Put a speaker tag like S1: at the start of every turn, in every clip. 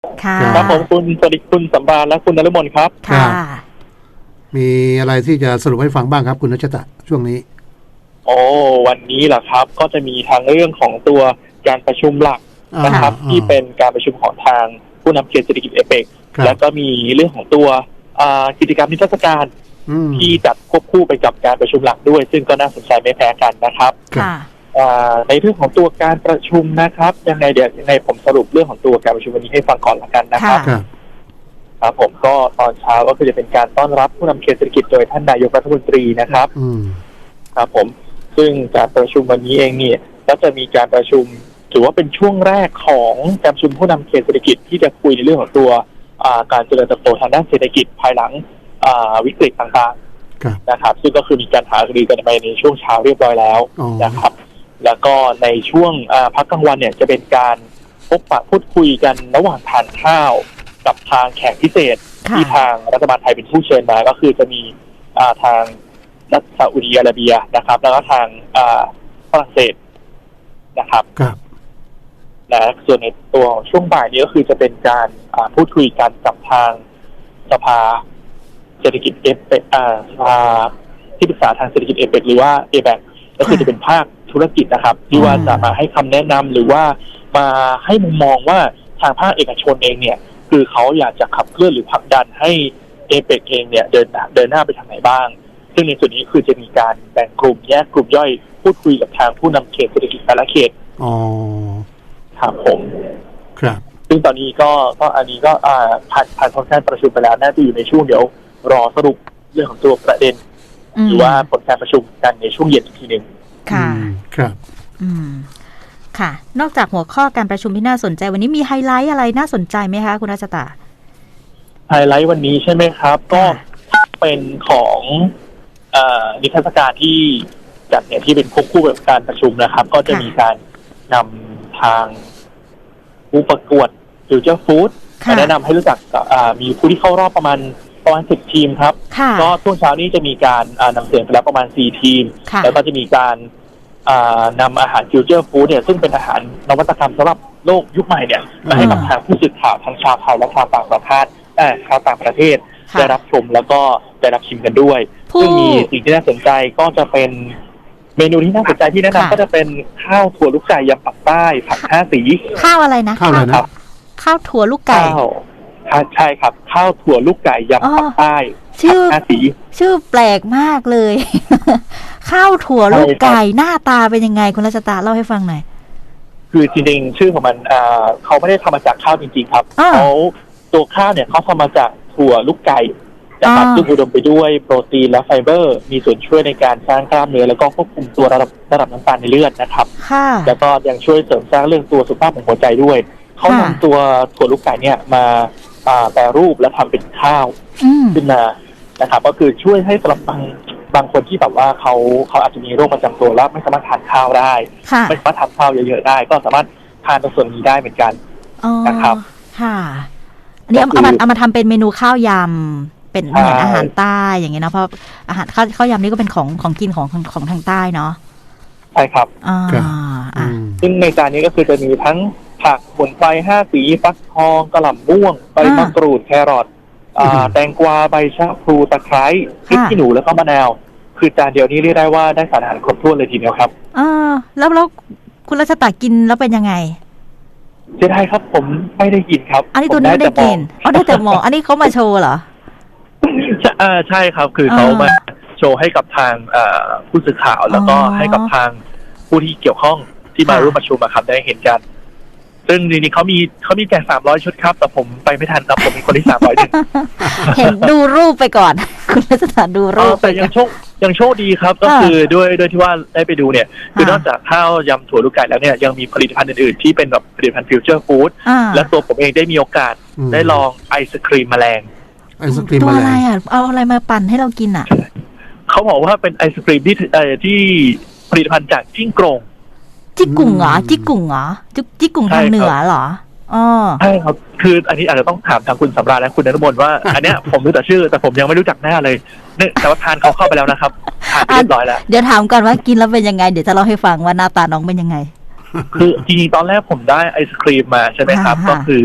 S1: ค่ะ
S2: ครับผมคุณสวัสดีคุณสำราญและคุณนฤมลครับ
S1: ค่ะ
S3: มีอะไรที่จะสรุปให้ฟังบ้างครับคุณรัชตะช่วงนี้
S2: โอ้วันนี้แหละครับก็จะมีทางเรื่องของตัวการประชุมหลักนะครับที่เป็นการประชุมของทางผู้นำเขตเศรษฐกิจเอเปกแล้วก็มีเรื่องของตัวกิจกรรมนิทรรศการที่จัดควบคู่ไปกับการประชุมหลักด้วยซึ่งก็น่าสนใจไม่แพ้กันนะครับในเรื่องของตัวการประชุมนะครับยังไงผมสรุปเรื่องของตัวการประชุมวันนี้ให้ฟังก่อนละกันนะครับครับผมก็ตอนเช้าก็คือจะเป็นการต้อนรับผู้นำเขตเศรษฐกิจโดยท่านนายกรัฐมนตรีนะครับครับผมซึ่งการประชุมวันนี้เองเนี่ยก็จะมีการประชุมถือว่าเป็นช่วงแรกของการประชุมผู้นำเขตเศรษฐกิจที่จะคุยในเรื่องของตัวการเจริญเติบโตทางด้านเศรษฐกิจภายหลังวิกฤตต่างๆนะครับซึ่งก็คือมีการหารือกันไปในช่วงเช้าเรียบร้อยแล้วนะครับแล้วก็ในช่วงพักกลางวันเนี่ยจะเป็นการพบปะพูดคุยกันระหว่างทานข้าวกับทางแขกพิเศษที่ทางรัฐบาลไทยเป็นผู้เชิญมาก็คือจะมีทางรัฐซาอุดิอาระเบียนะครับแล้วก็ทางฝรั่งเศสนะครับและส่วนในตัวของช่วงบ่ายนี้ก็คือจะเป็นการพูดคุยกันกับทางสภาเศรษฐกิจเอเปกสภาที่ปรึกษาทางเศรษฐกิจเอเปกหรือว่าเอแบกก็คือจะเป็นภาคธุรกิจนะครับที่ว่าจะมาให้คำแนะนำหรือว่ามาให้มุมมองว่าทางภาคเอกชนเองเนี่ยคือเขาอยากจะขับเคลื่อนหรือผลักดันให้เอเปกเองเนี่ยเดินหน้าไปทางไหนบ้างซึ่งในส่วนนี้คือจะมีการแบ่งกลุ่มแยกกลุ่มย่อยพูดคุยกับทางผู้นำเขตเศรษฐกิจแต่ละเขตครับผม
S3: ครับ
S2: ซึ่งตอนนี้ก็อันนี้ก็ผ่านผลการประชุมไปแล้วน่าจะอยู่ในช่วงเดี๋ยวรอสรุปเรื่องของตัวประเด็นหรือว่าผลการประชุมกันในช่วงเย็นอีกทีนึง
S1: ค่ะ
S3: ครับ
S1: ค่ะนอกจากหัวข้อการประชุมที่น่าสนใจวันนี้มีไฮไลท์อะไรน่าสนใจไหมคะคุณรัชตา
S2: ไฮไลท์วันนี้ใช่ไหมครับก็เป็นของนิทรรศการที่จัดเนี่ยที่เป็นควบคู่กับการประชุมนะครับก็จะมีการนำทางผู้ประกวดฟิวเจอร์ฟู้ดมาแนะนำให้รู้จักมีผู้ที่เข้ารอบประมาณ10 ทีมครับก็ช่วงเช้านี้จะมีการนำเสนอไปแล้วประมาณ4 ทีมแล้วก็จะมีการนำอาหารฟิวเจอร์ฟู้ดเนี่ยซึ่งเป็นอาหารนวัตกรรมสำหรับโลกยุคใหม่เนี่ยมาให้กับทางผู้สื่อข่าวทั้งชาวไทยและชาวต่างประเทศได้รับชมแล้วก็ได้รับชิมกันด้วยซึ่งมีสิ่งที่น่าสนใจก็จะเป็นเมนูที่น่าสนใจที่แนะนำก็จะเป็นข้าวถั่วลูกไก่ยำปักใต้ผัก5 สี
S1: ข้าวอะไรนะ
S3: ข้าวอะไรนะ
S1: ข้าวถั่วลูกไก่
S2: ใช่ครับข้าวถั่วลูกไก่ยำปักใต้
S1: ชื่อ5 สีชื่อแปลกมากเลยข้าวถั่วลูกไก่หน้าตาเป็นยังไงคุณรัชตาเล่าให้ฟังหน่อย
S2: คือจริงๆชื่อของมันเขาไม่ได้ทำมาจากข้าวจริงๆครับเขาตัวข้าวเนี่ยเขาทำมาจากถั่วลูกไก่นะครับซึ่งอุดมไปด้วยโปรตีนและไฟเบอร์มีส่วนช่วยในการสร้างกล้ามเนื้อแล้วก็ควบคุมตัวระดับน้ำตาลในเลือดนะครับแล้วก็ยังช่วยเสริมสร้างเรื่องตัวสุขภาพของหัวใจด้วยเขานำตัวถั่วลูกไก่เนี่ยมาแปรรูปและทำเป็นข้าวขึ้นมานะครับก็คือช่วยให้สำหรับบางคนที่แบบว่าเขาอาจจะมีโรคประจำตัวแล้วไม่สามารถทานข้าวได้ไม่สามารถทานข้าวเยอะๆได้ก็สามารถทานในส่วนนี้ได้เหมือนกันนะครับ
S1: ค่ะอันนี้เอามาทำเป็นเมนูข้าวยำเป็นเหมือนอาหารใต้อย่างเงี้ยนะเพราะอาหารข้าวยำนี่ก็เป็นของกินของทางใต้เนาะ
S2: ใช่ครับซึ่งในจานนี้ก็คือจะมีทั้งผักสมุนไพร5 สีฟักทองกระหล่ำม่วงใบมะกรูดแครอทแตงกวาใบชะพลูตะไคร้พริกขี้หนูแล้วก็มะนาวคือจานเดียวนี้เรียกได้ว่าได้สารอาหารครบถ้วนเลยทีเดียวครับ
S1: แล้วคุณรัชตากินแล้วเป็นยังไง
S2: จะได้ครับผมไม่ได้กินครับ
S1: อันนี้ตัวนี้ไม่ได้กินได้แต่หมออันนี้เขามาโชว์เหรอ
S2: ใช่ครับคือเขามาโชว์ให้กับทางผู้สื่อข่าวแล้วก็ให้กับทางผู้ที่เกี่ยวข้องที่มาร่วมประชุมครับได้เห็นกันซึ่งทีนี้เขามีแจก300 ชุดครับแต่ผมไปไม่ทันครับผมมีคนที่300 นึง
S1: เห็นดูรูปไปก่อนคุณรัชตาดูรูป
S2: แต่ยังโชคดีครับก็คือด้วยที่ว่าได้ไปดูเนี่ยคือนอกจากข้าวยำถั่วลูกไก่แล้วเนี่ยยังมีผลิตภัณฑ์อื่นๆที่เป็นแบบผลิตภัณฑ์ฟิวเจอร์ฟู้ดและตัวผมเองได้มีโอกาสได้ลองไอศครีมแมลง
S1: ตัวอะไรอ่ะเอาอะไรมาปั่นให้เรากินอ่ะ
S2: เขาบอกว่าเป็นไอศครีมที่ผลิตภัณฑ์จากจิ้งโกรง
S1: จิกุ่งเหรอจิกุ่งทางเหนือเหรอ
S2: ใช่ครับคืออันนี้อาจจะต้องถามทางคุณสำราญและคุณนฤมลว่าอันเนี้ยผมรู้แต่ชื่อแต่ผมยังไม่รู้จักหน้าเลยเนี่ยแต่ว่าทานเขาเข้าไปแล้วนะครับทานเรียบร้อยแล้ว
S1: เดี๋ยวถามก่อนว่ากินแล้วเป็นยังไงเดี๋ยวจะเล่าให้ฟังว่าหน้าตาน้องเป็นยังไง
S2: คือจริงๆตอนแรกผมได้ไอศครีมมาใช่ไหมครับก็คือ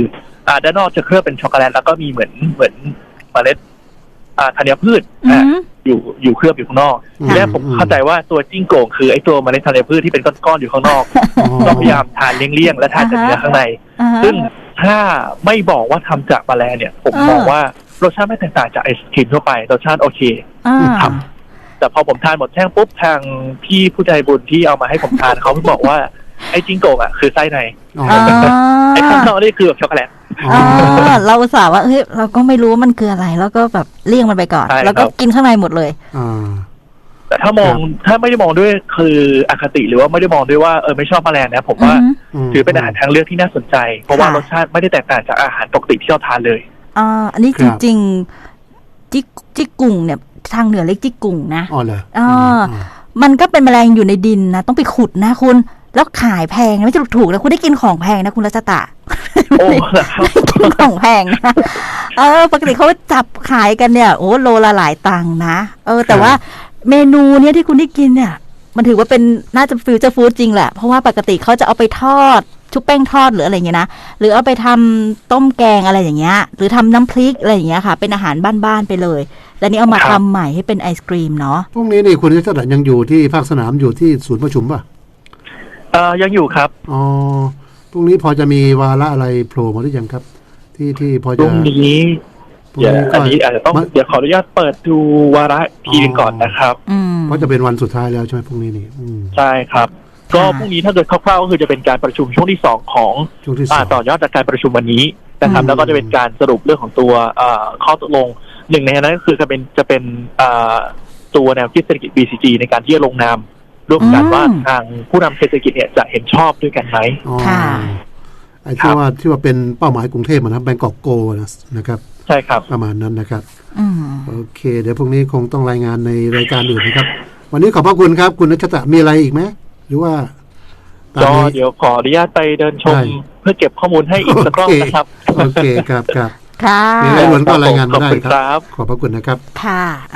S2: ด้านนอกจะเคลือบเป็นช็อกโกแลตแล้วก็มีเหมือนเมล็ดธัญพืชอยู่เคลือบอยู่ข้างนอกทีแรกผมเข้าใจว่าตัวจิ้งโก่งคือไอ้ตัวเมล็ดธัญพืชที่เป็นก้อนๆอยู่ข้างนอกก็พยายามทานเลี่ยงๆและทานแต่เนื้อข้างในซึ่งถ้าไม่บอกว่าทำจากแมลงเนี่ยผมมองว่ารสชาติไม่แตกต่างจากไอศครีมทั่วไปรสชาติโอเคครับแต่พอผมทานหมดแท่งปุ๊บทางพี่ผู้ใจบุญที่เอามาให้ผมทานเขาบอกว่าไอ้จิ้งโก่งคือไส้ในไอ้ข้างนอกนี่คือแบบช็อกโกแลต
S1: เราอุตส่าห์ว่าเฮ้ยเราก็ไม่รู้ว่ามันคืออะไรแล้วก็แบบเลี่ยงมันไปก่อนแล้วก็กินข้างในหมดเลย
S2: แต่ถ้าไม่ได้มองด้วยคืออคติหรือว่าไม่ได้มองด้วยว่าไม่ชอบแมลงนะผมว่าถือเป็นอาหารทางเลือกที่น่าสนใจเพราะว่ารสชาติไม่ได้แตกต่างจากอาหารปกติที่เราทานเลย
S1: อันนี้จริงๆจิกกุ่งเนี่ยทางเหนือเรียกจิกกุ่งนะมันก็เป็นแมลงอยู่ในดินนะต้องไปขุดนะคุณแล้วขายแพงไม่ใช่ถูกนะคุณได้กินของแพงนะคุณรัชตะ
S2: โอ้
S1: กินของแพงนะปกติเขาจับขายกันเนี่ยโอ้โลละหลายตังค์นะแต่ว่าเมนูเนี้ยที่คุณได้กินเนี่ยมันถือว่าเป็นน่าจะฟิวเจอร์ฟู้ดจริงแหละเพราะว่าปกติเขาจะเอาไปทอดชุบแป้งทอดหรืออะไรอย่างเงี้ยนะหรือเอาไปทำต้มแกงอะไรอย่างเงี้ยหรือทำน้ำพริกอะไรอย่างเงี้ยค่ะเป็นอาหารบ้านๆไปเลยแล้วนี่เอามาทำใหม่ให้เป็นไอศกรีมเนาะ
S3: พรุ่งนี้นี่คุณรัชตะยังอยู่ที่ภาคสนามอยู่ที่ศูนย์ประชุมป่ะ
S2: ยังอยู่ครับ
S3: พรุ่งนี้พอจะมีวาระอะไรโผล่มาหรือยังครับที่พอจะ
S2: พรุ่งนี้อันนี้อาจจะต้องเดี๋ยวขออนุญาตเปิดดูวาระทีนึงก่อนนะครับ
S3: เพราะจะเป็นวันสุดท้ายแล้วใช่ไหมพรุ่งนี้นี่
S2: ใช่ครับก็พรุ่งนี้ถ้าเกิดคร่าวๆก็คือจะเป็นการประชุมช่วงที่2ของต่อยอดจากการประชุมวันนี้นะครับแล้วก็จะเป็นการสรุปเรื่องของตัวข้อตกลงหนึ่งในนั้นก็คือจะเป็นตัวแนวคิดเศรษฐกิจ BCG ในการที่จะลงนามร่วมกันว่าทางผู้นำเศรษฐกิจเนี่ยจะเห็นชอบด้วยกันไหม
S1: ค่ะ
S3: ไอ้ที่ว่าเป็นเป้าหมายกรุงเทพนะครับแบงกอกโกนะครับ
S2: ใช่ครับ
S3: ประมาณนั้นนะครับโอเคเดี๋ยวพรุ่งนี้คงต้องรายงานในรายการอื่นนะครับวันนี้ขอบพระคุณครับคุณรัชตะมีอะไรอีกไหมหรือว่า
S2: ก็เดี๋ยวขออนุญาตไปเดินชมเพื่อเก็บข้อมูลให้อีกสักรอบนะครับ
S3: โอเคครับ
S1: ค่ะ
S3: มีอะไรล้วนก็รายงานมาได้ครับขอบพระคุณนะครับ
S1: ค่ะ